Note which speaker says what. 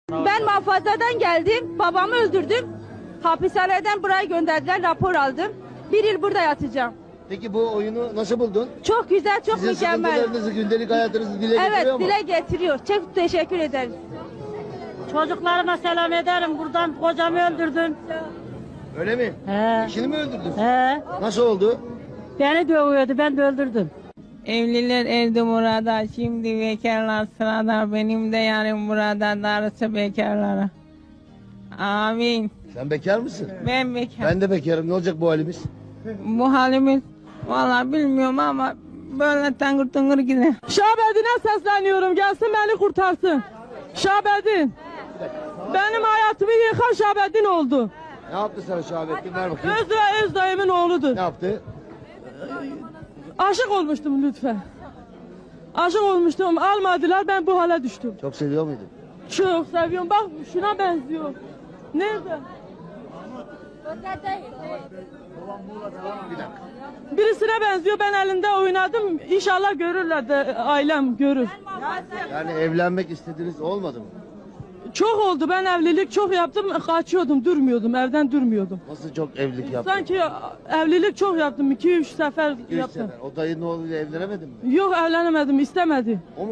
Speaker 1: Ben muhafazadan geldim. Babamı öldürdüm. Hapishaneden buraya gönderdiler. Rapor aldım. 1 yıl burada yatacağım.
Speaker 2: Peki bu oyunu nasıl buldun?
Speaker 1: Çok güzel, çok
Speaker 2: Sizin
Speaker 1: mükemmel.
Speaker 2: sıkıntılarınızı, gündelik hayatınızı dile
Speaker 1: Evet,
Speaker 2: getiriyor mu?
Speaker 1: dile getiriyor. Çok teşekkür ederiz.
Speaker 3: Çocuklarıma selam ederim. Buradan kocamı öldürdüm.
Speaker 2: Öyle mi?
Speaker 3: He.
Speaker 2: Eşini mi öldürdün?
Speaker 3: He.
Speaker 2: Nasıl oldu?
Speaker 3: Beni dövüyordu, ben de öldürdüm.
Speaker 4: Evliler evde burada, şimdi bekarlar sırada, benim de yarın burada, darısı bekarlara. Amin.
Speaker 2: Sen bekar mısın?
Speaker 4: Ben bekar.
Speaker 2: Ben de bekarım. Ne olacak bu halimiz?
Speaker 4: Bu halimiz vallahi bilmiyorum ama böyle tangır tungur gider.
Speaker 5: Şahbedin'e sesleniyorum, gelsin beni kurtarsın. Şahbedin. Benim hayatımı yıkan Şahbedin oldu.
Speaker 2: Ne yaptı sana Şahabettin? Ver bakayım.
Speaker 5: Öz ve öz dayımın oğludur.
Speaker 2: Ne yaptı?
Speaker 5: Aşık olmuştum lütfen. Aşık olmuştum, almadılar, ben bu hale düştüm.
Speaker 2: Çok seviyor muydun?
Speaker 5: Çok seviyorum, bak şuna benziyor. Nerede? Birisine benziyor, ben elinde oynadım. İnşallah görürler de ailem görür.
Speaker 2: Yani evlenmek istediğiniz olmadı mı?
Speaker 5: Çok oldu, ben evlilik çok yaptım, kaçıyordum, durmuyordum, evden durmuyordum.
Speaker 2: Nasıl çok evlilik yaptın?
Speaker 5: Sanki evlilik çok yaptım, 2-3 sefer
Speaker 2: Üç
Speaker 5: yaptım.
Speaker 2: sefer. O dayının oğluyla evlenemedin mi?
Speaker 5: Yok evlenemedim, istemedi.
Speaker 2: O mu